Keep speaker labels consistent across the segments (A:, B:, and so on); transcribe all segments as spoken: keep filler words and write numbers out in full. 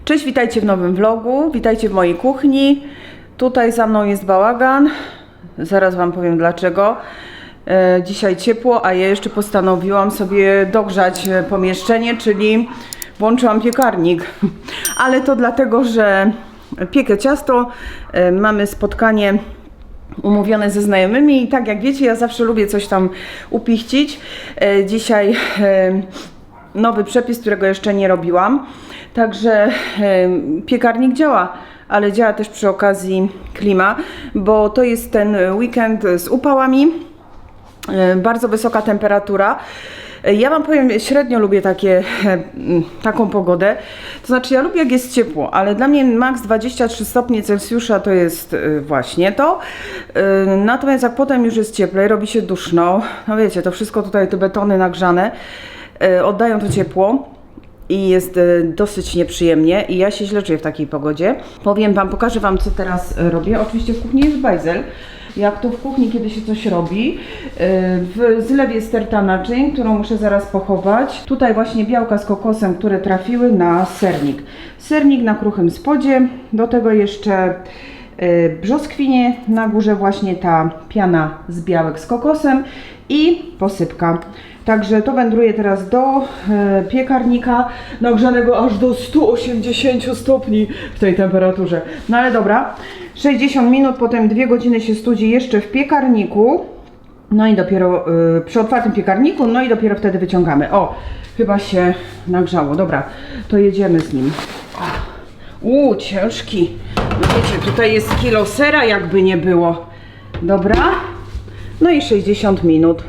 A: Cześć, witajcie w nowym vlogu, witajcie w mojej kuchni. Tutaj za mną jest bałagan, zaraz wam powiem dlaczego. E, dzisiaj ciepło, a ja jeszcze postanowiłam sobie dogrzać pomieszczenie, czyli włączyłam piekarnik. Ale to dlatego, że piekę ciasto, e, mamy spotkanie umówione ze znajomymi i tak jak wiecie, ja zawsze lubię coś tam upichcić. E, dzisiaj e, nowy przepis, którego jeszcze nie robiłam. Także e, piekarnik działa, ale działa też przy okazji klima, bo to jest ten weekend z upałami, e, bardzo wysoka temperatura. E, ja wam powiem, średnio lubię takie, e, taką pogodę, to znaczy ja lubię jak jest ciepło, ale dla mnie maks dwadzieścia trzy stopnie Celsjusza to jest e, właśnie to. E, natomiast jak potem już jest cieplej, robi się duszno, no wiecie, to wszystko tutaj, te betony nagrzane, e, oddają to ciepło. I jest y, dosyć nieprzyjemnie i ja się źle czuję w takiej pogodzie. Powiem wam, pokażę wam co teraz robię. Oczywiście w kuchni jest bajzel. Jak to w kuchni, kiedy się coś robi. Y, w zlewie sterta naczyń, którą muszę zaraz pochować. Tutaj właśnie białka z kokosem, które trafiły na sernik. Sernik na kruchym spodzie. Do tego jeszcze y, brzoskwinie. Na górze właśnie ta piana z białek z kokosem i posypka. Także to wędruje teraz do e, piekarnika nagrzanego aż do stu osiemdziesięciu stopni w tej temperaturze. No ale dobra, sześćdziesiąt minut, potem dwie godziny się studzi jeszcze w piekarniku. No i dopiero e, przy otwartym piekarniku, no i dopiero wtedy wyciągamy. O, chyba się nagrzało. Dobra, to jedziemy z nim. Uuu, ciężki. No wiecie, tutaj jest kilo sera, jakby nie było. Dobra, no i sześćdziesiąt minut.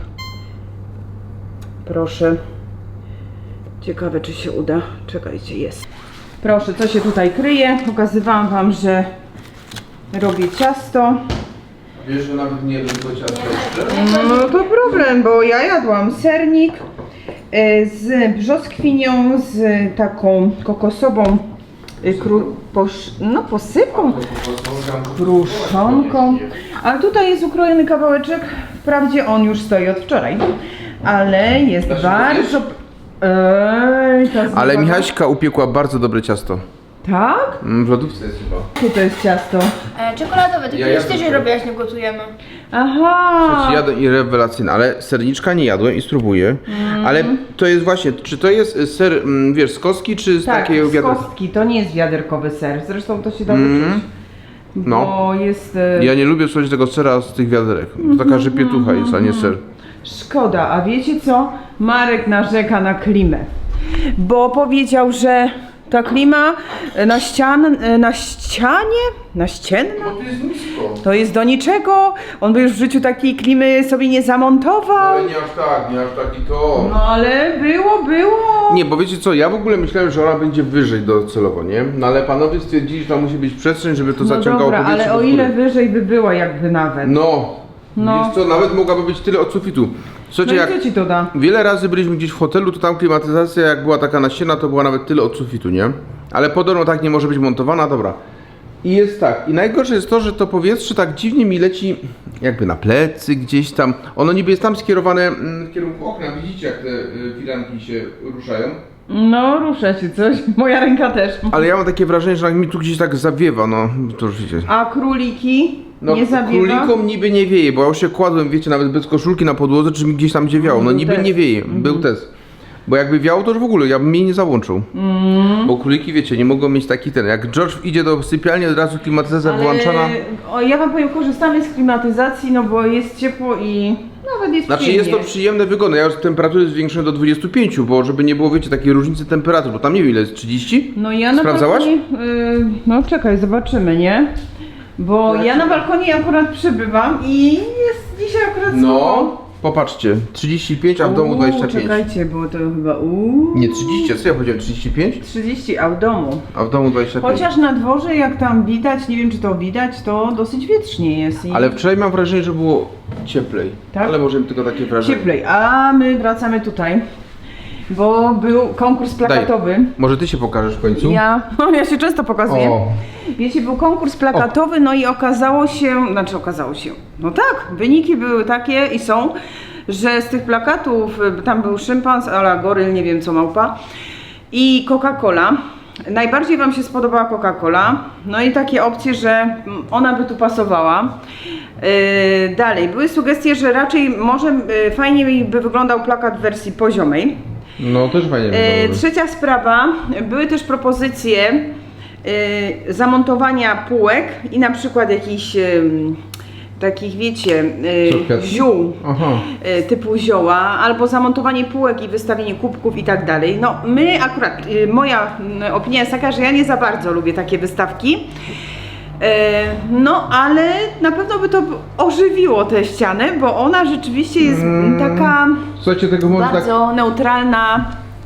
A: Proszę. Ciekawe, czy się uda. Czekajcie, jest. Proszę, co się tutaj kryje? Pokazywałam wam, że robię ciasto.
B: Wiesz, że nawet nie jedno ciasto jeszcze?
A: No to problem, bo ja jadłam sernik z brzoskwinią, z taką kokosową kru, posz, no posypką, kruszonką. Ale tutaj jest ukrojony kawałeczek. Wprawdzie on już stoi od wczoraj. Ale jest
B: Dasz
A: bardzo... Ej,
B: Ale Michaśka upiekła bardzo dobre ciasto.
A: Tak?
B: W lodówce jest chyba.
A: Co to jest ciasto?
C: E, czekoladowe, to
B: Ja
C: kiedyś
B: jadłem
C: też je
B: to.
C: robię, jak nie gotujemy.
A: Aha!
B: Znaczy jadłem i rewelacyjne, ale serniczka nie jadłem i spróbuję.
A: Mm.
B: Ale to jest właśnie, czy to jest ser, mm, wiesz, z kostki, czy z
A: Tak,
B: takiego
A: z
B: wiaderka?
A: kostki, to nie jest wiaderkowy ser. Zresztą to się da
B: Mm.
A: wyczuć.
B: No.
A: Bo jest... e,
B: Ja nie lubię słuchać tego sera z tych wiaderek. To taka żypietucha jest, a nie ser.
A: Szkoda, a wiecie co? Marek narzeka na klimę. Bo powiedział, że ta klima na ścian, na ścianie, na ścienna,
B: to jest nisko.
A: to jest do niczego. On by już w życiu takiej klimy sobie nie zamontował.
B: Ale nie aż tak, nie aż taki to.
A: No ale było, było.
B: Nie, bo wiecie co, ja w ogóle myślałem, że ona będzie wyżej docelowo, nie? No ale panowie stwierdzili, że tam musi być przestrzeń, żeby to
A: No
B: zaciągało
A: dobra,
B: powietrze
A: ale
B: do
A: o ile
B: góry.
A: wyżej by była jakby nawet.
B: No,
A: No.
B: wiesz co, nawet mogłaby być tyle od sufitu.
A: No
B: Słuchajcie,
A: i
B: jak
A: co ci to da?
B: wiele razy byliśmy gdzieś w hotelu, to tam klimatyzacja jak była taka naścienna, to była nawet tyle od sufitu, nie? Ale podobno tak nie może być montowana, dobra. I jest tak, i najgorsze jest to, że to powietrze tak dziwnie mi leci jakby na plecy gdzieś tam. Ono niby jest tam skierowane mm, w kierunku okna, widzicie jak te y, firanki się ruszają.
A: No rusza się coś, moja ręka też.
B: Ale ja mam takie wrażenie, że mi tu gdzieś tak zawiewa, no to już wiecie.
A: A króliki?
B: No
A: Nie zawiewa?
B: królikom niby nie wieje, bo ja już się kładłem, wiecie, nawet bez koszulki na podłodze, czy mi gdzieś tam gdzie wiało. No
A: Był
B: niby
A: test.
B: nie wieje, był test. Bo jakby wiało, to już w ogóle, ja bym jej nie załączył.
A: Mm.
B: Bo króliki, wiecie, nie mogą mieć taki ten, jak George idzie do sypialni, od razu klimatyzacja wyłączana.
A: O, ja wam powiem, korzystamy z klimatyzacji, no bo jest ciepło i nawet jest
B: Znaczy
A: przyjemnie.
B: jest to przyjemne, wygodne. Ja już temperatury zwiększyłem do dwudziestu pięciu, bo żeby nie było, wiecie, takiej różnicy temperatur, bo tam nie wiem ile jest, trzydzieści?
A: No ja na
B: Sprawdzałaś?
A: balkonie, y, no czekaj, zobaczymy, nie? Bo ja na balkonie akurat przybywam i jest dzisiaj akurat
B: No,
A: słabo.
B: popatrzcie, trzydzieści pięć, a w domu dwadzieścia pięć.
A: Czekajcie, było to chyba uuu,
B: Nie, trzydzieści, a co ja powiedziałem, trzydzieści pięć?
A: trzydzieści, a w domu.
B: A w domu dwadzieścia pięć.
A: Chociaż na dworze, jak tam widać, nie wiem czy to widać, to dosyć wietrznie jest. I
B: Ale wczoraj mam wrażenie, że było cieplej.
A: Tak?
B: Ale może tylko takie wrażenie.
A: cieplej. A my wracamy tutaj, bo był konkurs plakatowy.
B: Może ty się pokażesz w końcu?
A: Ja, no, ja się często pokazuję.
B: O.
A: Wiecie, był konkurs plakatowy, no i okazało się, znaczy okazało się, no tak, wyniki były takie i są, że z tych plakatów, tam był szympans, ala goryl, nie wiem co małpa i Coca-Cola. najbardziej Wam się spodobała Coca-Cola. No i takie opcje, że ona by tu pasowała. Yy, dalej, były sugestie, że raczej może yy, fajnie by wyglądał plakat w wersji poziomej.
B: No też fajnie
A: Yy,
B: wygląda.
A: trzecia sprawa, były też propozycje yy, zamontowania półek i na przykład jakichś yy, takich, wiecie,
B: Co,
A: yy,
B: kwiatki?
A: ziół,
B: Aha.
A: yy, typu zioła, albo zamontowanie półek i wystawienie kubków i tak dalej. No my akurat, yy, moja yy, opinia jest taka, że ja nie za bardzo lubię takie wystawki. Yy, no ale na pewno by to ożywiło tę ścianę, bo ona rzeczywiście jest
B: Mm.
A: taka
B: Słuchajcie, tego może tak...
A: bardzo neutralna.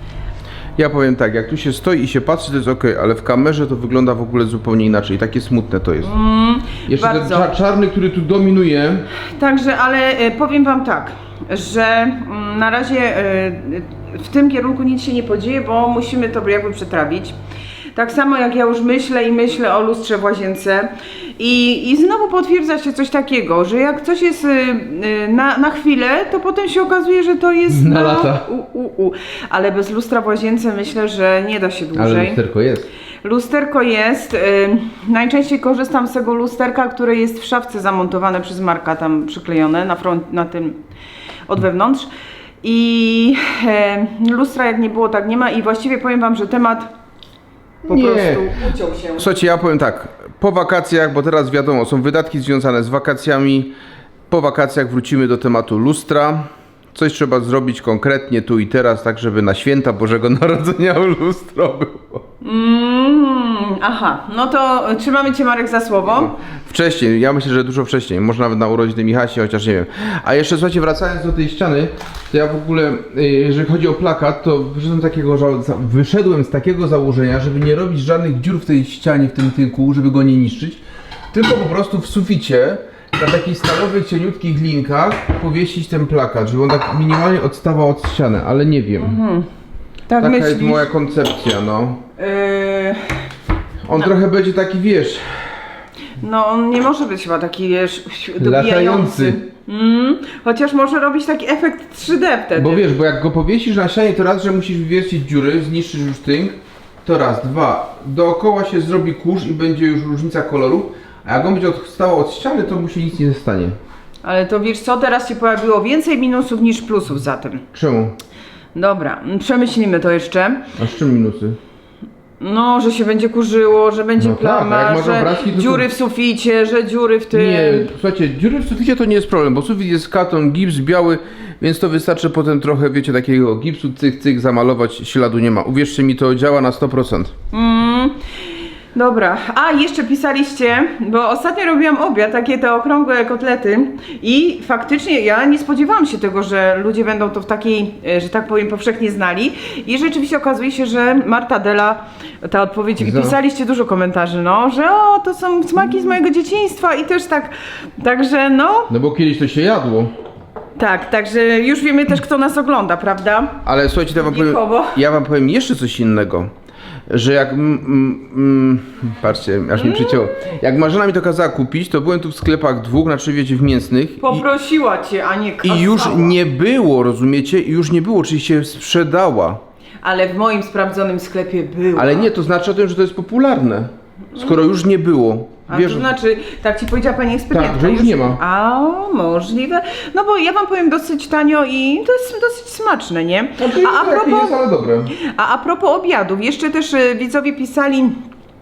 B: Ja powiem tak, jak tu się stoi i się patrzy, to jest ok, ale w kamerze to wygląda w ogóle zupełnie inaczej. Takie smutne to jest.
A: Mm,
B: Jeszcze ten
A: bardzo.
B: cza czarny, który tu dominuje.
A: Także, ale e, powiem Wam tak, że mm, na razie e, w tym kierunku nic się nie podzieje, bo musimy to jakby przetrawić. Tak samo jak ja już myślę i myślę o lustrze w łazience i, i znowu potwierdza się coś takiego, że jak coś jest y, y, na, na chwilę, to potem się okazuje, że to jest
B: Na lata.
A: U, u, u. Ale bez lustra w łazience myślę, że nie da się dłużej.
B: Ale lusterko jest.
A: Lusterko jest, y, najczęściej korzystam z tego lusterka, które jest w szafce zamontowane przez Marka, tam przyklejone na, front, na tym od wewnątrz. I y, lustra jak nie było, tak nie ma i właściwie powiem Wam, że temat po
B: Nie.
A: prostu uciął się.
B: Słuchajcie, ja powiem tak, po wakacjach, bo teraz wiadomo, są wydatki związane z wakacjami, po wakacjach wrócimy do tematu lustra. Coś trzeba zrobić konkretnie tu i teraz, tak żeby na święta Bożego Narodzenia lustro było.
A: Mm, aha, no to trzymamy Cię, Marek, za słowo.
B: Wcześniej, ja myślę, że dużo wcześniej, może nawet na urodziny Michasie, chociaż nie wiem. A jeszcze słuchajcie, wracając do tej ściany, to ja w ogóle, y, jeżeli chodzi o plakat, to wyszedłem, takiego, ża- za- wyszedłem z takiego założenia, żeby nie robić żadnych dziur w tej ścianie, w tym tynku, żeby go nie niszczyć, tylko po prostu w suficie, na takich stalowych, cieniutkich linkach powiesić ten plakat, żeby on tak minimalnie odstawał od ściany, ale nie wiem.
A: Tak
B: Taka
A: myślisz?
B: jest moja koncepcja, no.
A: Yy,
B: On trochę będzie taki, wiesz,
A: no on nie może być chyba taki, wiesz,
B: Latający.
A: dobijający. Mm, chociaż może robić taki efekt trzy D wtedy.
B: bo wiesz, bo jak go powiesisz na ścianie, to raz, że musisz wywiercić dziury, zniszczysz już tynk, to raz, dwa, dookoła się zrobi kurz i będzie już różnica koloru, a jak on będzie odstawał od ściany, to mu się nic nie stanie.
A: Ale to wiesz co, teraz się pojawiło więcej minusów niż plusów za tym.
B: Czemu?
A: Dobra, przemyślimy to jeszcze.
B: A z czym minusy?
A: No, że się będzie kurzyło, że będzie
B: No tak,
A: plama,
B: a jak masz
A: że
B: obrazki, to
A: dziury
B: to-
A: w suficie, że dziury w tym.
B: Nie, słuchajcie, dziury w suficie to nie jest problem, bo sufit jest katon, gips biały, więc to wystarczy potem trochę, wiecie, takiego gipsu, cyk, cyk, zamalować, śladu nie ma. Uwierzcie mi, to działa na sto procent.
A: Mm, dobra, a jeszcze pisaliście, bo ostatnio robiłam obiad, takie te okrągłe kotlety i faktycznie ja nie spodziewałam się tego, że ludzie będą to w takiej, e, że tak powiem, powszechnie znali i rzeczywiście okazuje się, że Marta Della, ta odpowiedź, i
B: Za-
A: pisaliście dużo komentarzy, no, że o, to są smaki z mojego dzieciństwa i też tak, także no,
B: No bo kiedyś to się jadło.
A: tak, także już wiemy też, kto nas ogląda, prawda?
B: Ale słuchajcie, to ja wam powiem,
A: Wiekowo.
B: ja wam powiem jeszcze coś innego. Że jak, mm, mm, mm, patrzcie, aż mi przycięło. Jak Marzena mi to kazała kupić, to byłem tu w sklepach dwóch, znaczy wiecie, w mięsnych. I,
A: Poprosiła cię, a nie kazała.
B: I już nie było, rozumiecie? I już nie było, czyli się sprzedała.
A: Ale w moim sprawdzonym sklepie było.
B: Ale nie, to znaczy o tym, że to jest popularne. Skoro już nie było.
A: A
B: Wiesz,
A: to znaczy, tak ci powiedziała pani ekspedientka.
B: Tak, że już nie ma.
A: A, możliwe. No bo ja wam powiem dosyć tanio i to jest dosyć smaczne, nie?
B: znaczy,
A: A, a,
B: takie
A: propos,
B: jest, ale dobre.
A: a, a propos obiadów, jeszcze też y, widzowie pisali y,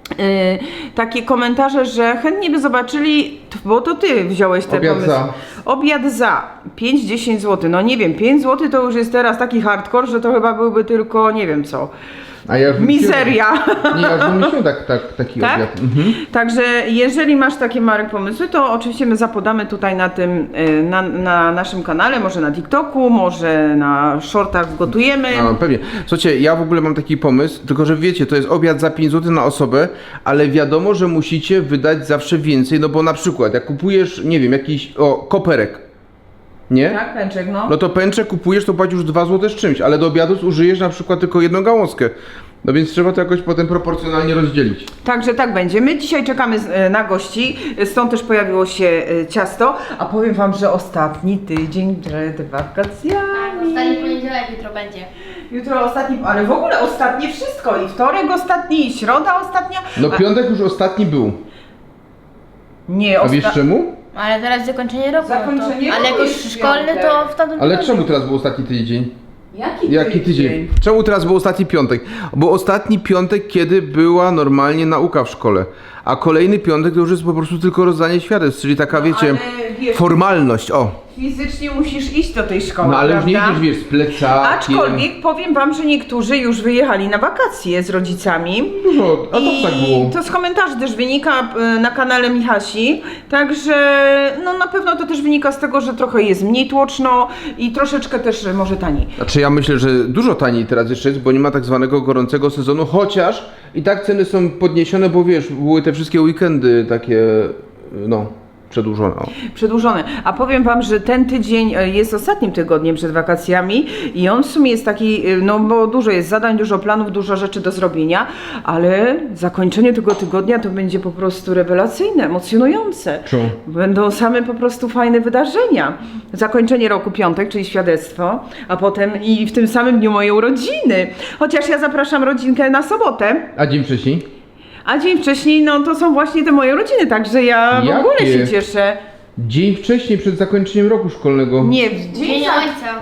A: takie komentarze, że chętnie by zobaczyli, bo to ty wziąłeś te
B: Obiad
A: pomysły.
B: za.
A: Obiad za pięć do dziesięciu złotych. No nie wiem, pięć złotych to już jest teraz taki hardcore, że to chyba byłby tylko, nie wiem co,
B: A ja już wymyśliłem-
A: mizeria.
B: Nie, ja już wymyśliłem tak, tak, taki
A: Tak?
B: obiad. Mhm.
A: Także jeżeli masz takie, Marek, pomysły, to oczywiście my zapodamy tutaj na tym, y, na, na naszym kanale, może na TikToku, może na shortach gotujemy.
B: No, pewnie. Słuchajcie, ja w ogóle mam taki pomysł, tylko że wiecie, to jest obiad za pięć złotych na osobę, ale wiadomo, że musicie wydać zawsze więcej, no bo na przykład jak kupujesz, nie wiem, jakiś, o, koperek, nie?
A: Tak, pęczek, no.
B: No to pęczek kupujesz, to płacisz już dwa złote z czymś, ale do obiadu zużyjesz na przykład tylko jedną gałązkę. No więc trzeba to jakoś potem proporcjonalnie rozdzielić.
A: Także tak będzie. My dzisiaj czekamy z- e, na gości, stąd też pojawiło się e, ciasto, a powiem wam, że ostatni tydzień przed
C: Tak,
A: wakacjami.
C: ostatni poniedziałek jutro będzie.
A: Jutro ostatni, ale w ogóle ostatnie wszystko. I wtorek ostatni, i środa ostatnia.
B: No
A: A-
B: piątek już ostatni był.
A: Nie,
B: A wiesz
A: osta-
B: czemu?
C: Ale teraz zakończenie roku.
A: Zakończenie
C: to, ale
A: roku
C: jako
A: jest
C: szkolny
A: piątek.
C: to w tamtym
B: Ale
C: tygodniu.
B: czemu teraz był ostatni tydzień?
A: Jaki,
B: Jaki tydzień? Czemu teraz był ostatni piątek? Bo ostatni piątek, kiedy była normalnie nauka w szkole. A kolejny piątek to już jest po prostu tylko rozdanie świadectw, czyli taka, wiecie,
A: ale wiesz-
B: formalność, o.
A: Fizycznie musisz iść do tej szkoły,
B: No ale już nie
A: prawda?
B: idziesz, wiesz, z plecakiem.
A: Aczkolwiek powiem wam, że niektórzy już wyjechali na wakacje z rodzicami.
B: No, a to
A: I
B: tak było.
A: to z komentarzy też wynika y, na kanale Michasi, także no na pewno to też wynika z tego, że trochę jest mniej tłoczno i troszeczkę też y, może taniej.
B: Znaczy ja myślę, że dużo taniej teraz jeszcze jest, bo nie ma tak zwanego gorącego sezonu, chociaż i tak ceny są podniesione, bo wiesz, były te wszystkie weekendy takie, no, przedłużone. O.
A: Przedłużone. A powiem wam, że ten tydzień y, jest ostatnim tygodniem przed wakacjami i on w sumie jest taki, y, no bo dużo jest zadań, dużo planów, dużo rzeczy do zrobienia, ale zakończenie tego tygodnia to będzie po prostu rewelacyjne, emocjonujące.
B: Czemu?
A: Będą same po prostu fajne wydarzenia. Zakończenie roku piątek, czyli świadectwo, a potem i w tym samym dniu moje urodziny. Chociaż ja zapraszam rodzinkę na sobotę,
B: A dzień wcześniej?
A: a dzień wcześniej, no to są właśnie te moje urodziny, także ja w
B: Jakie?
A: ogóle się cieszę.
B: Dzień wcześniej, przed zakończeniem roku szkolnego.
A: Nie, w dzień
C: Dzień
A: za...
C: Ojca.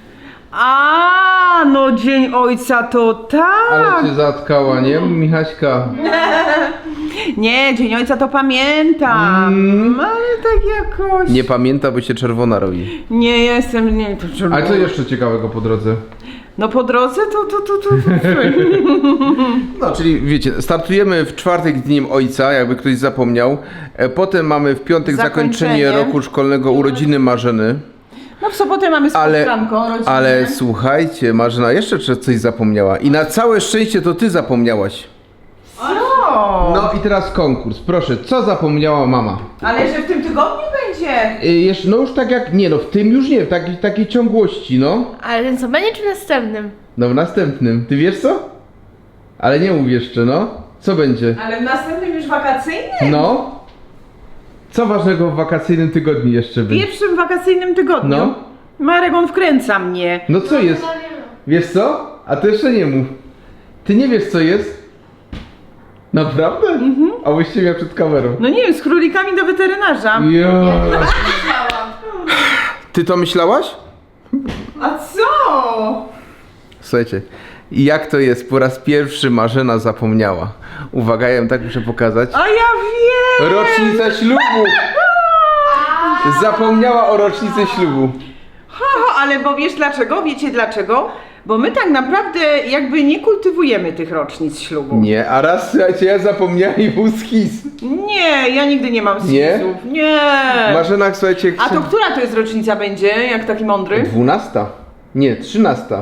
A: A, no dzień ojca to tak.
B: Ale cię zatkała, nie, Michaśka?
A: Nie, dzień ojca to pamiętam,
B: Mm.
A: ale tak jakoś.
B: Nie pamięta, bo się czerwona robi.
A: Nie jestem, nie to
B: Ale co jeszcze ciekawego po drodze?
A: No po drodze to to to to. to.
B: No, czyli wiecie, startujemy w czwartek Dniem Ojca, jakby ktoś zapomniał. E, Potem mamy w piątek zakończenie,
A: Zakończenie.
B: roku szkolnego, urodziny Marzeny.
A: No w sobotę mamy
B: Ale,
A: spotkanko rodzinne.
B: ale słuchajcie, Marzena jeszcze cze- coś zapomniała. I na całe szczęście to ty zapomniałaś.
A: Co?
B: No i teraz konkurs. Proszę, co zapomniała mama?
A: Ale że w tym tygodniu będzie.
B: Y, jeszcze, no już tak jak, nie no, w tym już nie, w takiej, takiej ciągłości, no.
C: Ale ten co będzie czy następnym?
B: No w następnym. Ty wiesz co? Ale nie mów jeszcze, no. Co będzie?
A: Ale w następnym już wakacyjnym?
B: No. Co ważnego w wakacyjnym tygodniu jeszcze
A: W
B: będzie?
A: pierwszym wakacyjnym tygodniu.
B: No.
A: Marek, on wkręca mnie.
B: No co jest? Wiesz co? A ty jeszcze nie mów. Ty nie wiesz co jest? Naprawdę? Mhm. A właściwie ja przed kamerą.
A: No nie wiem, z królikami do weterynarza.
B: Ja.
C: Myślałam.
B: Ty to myślałaś?
A: A co?
B: Słuchajcie, jak to jest? Po raz pierwszy Marzena zapomniała. Uwaga, ja ją tak muszę pokazać.
A: A ja wiem!
B: Rocznica ślubu! Zapomniała o rocznicy ślubu.
A: Ha, ha, ale bo wiesz dlaczego? Wiecie dlaczego? Bo my tak naprawdę jakby nie kultywujemy tych rocznic ślubu.
B: Nie, a raz, słuchajcie, ja zapomniałem i był schizm.
A: Nie, ja nigdy nie mam
B: Nie?
A: schizów. Nie.
B: Marzena, słuchajcie...
A: A to która to jest rocznica będzie, jak taki mądry?
B: Dwunasta. Nie, trzynasta.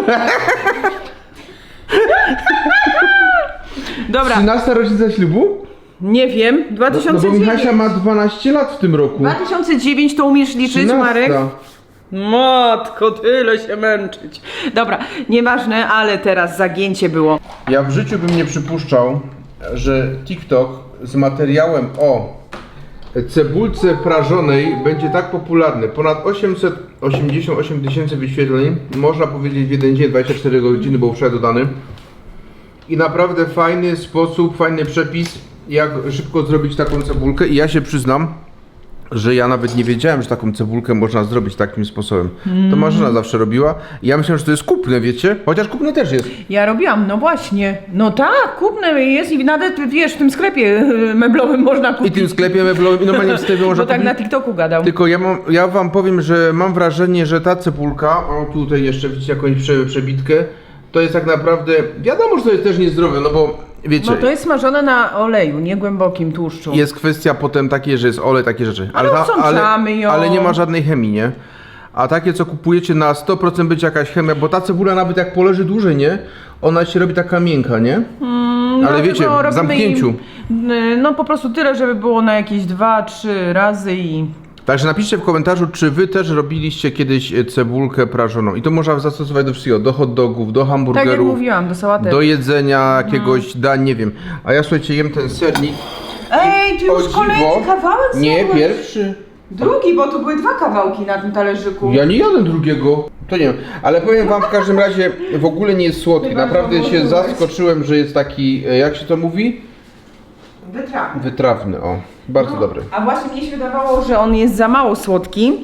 A: Dobra,
B: Trzynasta rocznica ślubu?
A: nie wiem,
B: No, no
A: dwa tysiące
B: bo
A: dziewięć.
B: Michasia ma dwanaście lat w tym roku.
A: dwa tysiące dziewięć to umiesz liczyć,
B: Trzynasta.
A: Marek? Matko, tyle się męczyć. Dobra, nieważne, ale teraz zagięcie było.
B: Ja w życiu bym nie przypuszczał, że TikTok z materiałem o cebulce prażonej będzie tak popularny. Ponad osiemset osiemdziesiąt osiem tysięcy wyświetleń, można powiedzieć w jeden dzień, dwadzieścia cztery godziny, bo wczoraj dodany. I naprawdę fajny sposób, fajny przepis, jak szybko zrobić taką cebulkę. I ja się przyznam, że ja nawet nie wiedziałem, że taką cebulkę można zrobić takim sposobem. To Marzena zawsze robiła. I ja myślałem, że to jest kupne, wiecie? Chociaż kupne też jest.
A: Ja robiłam, no właśnie. No tak, kupne jest i nawet, wiesz, w tym sklepie y, meblowym można
B: I
A: kupić.
B: tym sklepie meblowym, i normalnie w sklepie można
A: Bo tak
B: kupić.
A: na TikToku gadał.
B: Tylko ja, mam, ja wam powiem, że mam wrażenie, że ta cebulka, o tutaj jeszcze widzicie jakąś prze, przebitkę, to jest tak naprawdę, wiadomo, że to jest też niezdrowe, no bo wiecie,
A: No to jest smażone na oleju, nie głębokim tłuszczu.
B: jest kwestia potem takiej, że jest olej, takie rzeczy.
A: Ale odsączamy ją.
B: ale nie ma żadnej chemii, nie? A takie, co kupujecie, na sto procent będzie jakaś chemia, bo ta cebula nawet jak poleży dłużej, nie? Ona się robi taka miękka, nie?
A: Mm,
B: ale wiecie,
A: dlatego
B: w
A: robimy
B: zamknięciu.
A: im, y, no po prostu tyle, żeby było na jakieś dwa, trzy razy i...
B: Także napiszcie w komentarzu, czy wy też robiliście kiedyś e, cebulkę prażoną. I to można zastosować do wszystkiego, do hot dogów, do
A: Tak jak
B: hamburgerów,
A: mówiłam, do sałatek.
B: do jedzenia jakiegoś dań, nie wiem. A ja słuchajcie, jem ten sernik.
A: Ej, ty
B: O
A: już
B: dziwo-
A: kolejny kawałek
B: Nie,
A: zjadłeś?
B: pierwszy.
A: Drugi, bo tu były dwa kawałki na tym talerzyku.
B: Ja nie jadłem drugiego. To nie wiem, ale powiem wam w każdym razie, w ogóle nie jest słodki.
A: Chyba,
B: Naprawdę
A: że
B: się
A: włożyłeś.
B: zaskoczyłem, że jest taki, e, jak się to mówi?
A: Wytrawny.
B: Wytrawny, o. Bardzo
A: No,
B: dobry.
A: A właśnie mnie się wydawało, że on jest za mało słodki.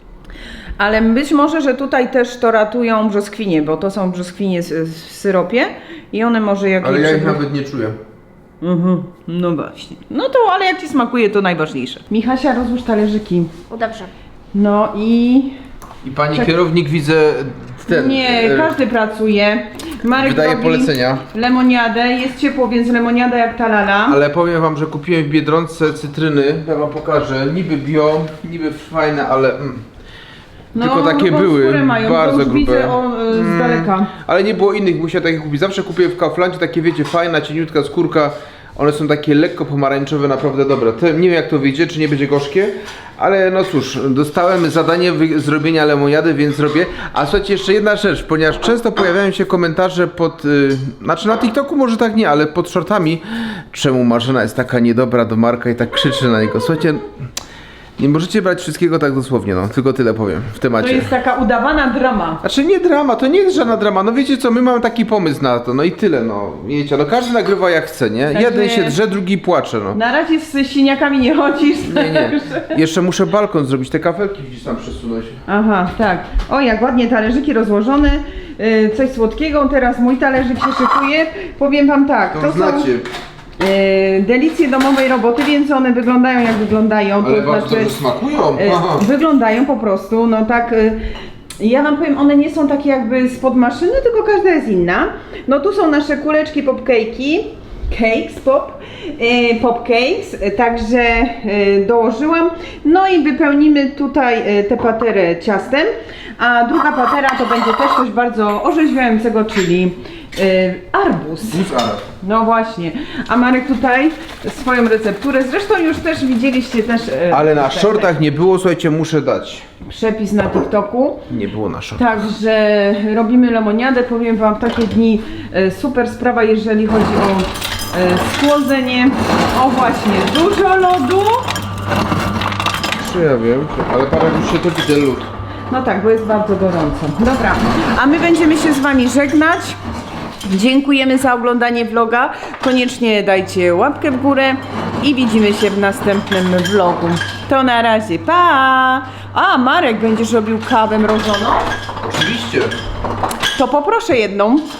A: Ale być może, że tutaj też to ratują brzoskwinie, bo to są brzoskwinie z- w syropie i one może jak
B: Ale
A: je
B: ja ich
A: przegru-
B: nawet nie czuję.
A: Mhm, no właśnie. No to, ale jak ci smakuje, to najważniejsze. Michasia, rozłóż talerzyki.
C: O, dobrze.
A: No i...
B: I pani
A: Czek-
B: kierownik widzę ten.
A: Nie,
B: e,
A: każdy pracuje. Marek
B: Wydaje
A: robi
B: polecenia.
A: lemoniadę, jest ciepło, więc lemoniada jak talala.
B: Ale powiem wam, że kupiłem w Biedronce cytryny, ja wam pokażę, niby bio, niby fajne, ale mm, tylko takie
A: grubą
B: były,
A: skórę mają,
B: bardzo
A: to już
B: grube.
A: widzę o, e, z
B: Mm,
A: daleka.
B: Ale nie było innych, musiałem takie kupić. Zawsze kupię w Kauflandzie takie, wiecie, fajna, cieniutka skórka. One są takie lekko pomarańczowe, naprawdę dobre. To, nie wiem jak to wyjdzie, czy nie będzie gorzkie, ale no cóż, dostałem zadanie wy- zrobienia lemoniady, więc zrobię. A słuchajcie, jeszcze jedna rzecz, ponieważ często pojawiają się komentarze pod, y, znaczy na TikToku może tak nie, ale pod shortami, czemu Marzena jest taka niedobra do Marka i tak krzyczy na niego. Słuchajcie, nie możecie brać wszystkiego tak dosłownie, no, tylko tyle powiem w
A: To
B: temacie.
A: jest taka udawana drama.
B: Znaczy nie drama, to nie jest żadna drama, no wiecie co, my mamy taki pomysł na to, no i tyle, no, wiecie, no każdy nagrywa jak chce, nie?
A: Także-
B: Jeden się drze, drugi płacze, no.
A: Na razie z siniakami nie chodzisz.
B: Nie, nie, jeszcze muszę balkon zrobić, te kafelki gdzieś tam przesunąć.
A: Aha, tak. O, jak ładnie talerzyki rozłożone. Yy, coś słodkiego. Teraz mój talerzyk się szykuje. Powiem wam tak,
B: To,
A: to, są
B: znacie,
A: yy, delicje domowej roboty, więc one wyglądają jak wyglądają.
B: ale
A: to
B: bardzo
A: znaczy,
B: dobrze smakują.
A: yy,
B: Aha.
A: wyglądają po prostu, no tak. Yy, ja wam powiem, one nie są takie jakby spod maszyny, tylko każda jest inna. No tu są nasze kuleczki popcake'i. Cakes, pop, yy, popcakes, yy, także yy, dołożyłam. No i wypełnimy tutaj yy, tę paterę ciastem, a druga patera to będzie też coś bardzo orzeźwiającego, czyli yy, arbuz.
B: Buzar.
A: No właśnie, a Marek tutaj swoją recepturę, zresztą już też widzieliście też yy,
B: Ale na
A: te-
B: shortach nie było, słuchajcie, muszę dać.
A: przepis na TikToku.
B: Nie było na shortach.
A: Także robimy lemoniadę, powiem wam w takie dni e, super sprawa, jeżeli chodzi o e, schłodzenie. O właśnie, dużo lodu.
B: Czy ja wiem, ale parę już się topi ten lód.
A: No tak, bo jest bardzo gorąco. Dobra, a my będziemy się z wami żegnać. Dziękujemy za oglądanie vloga. Koniecznie dajcie łapkę w górę i widzimy się w następnym vlogu. To na razie, pa! A, Marek, będziesz robił kawę mrożoną?
B: Oczywiście.
A: To poproszę jedną.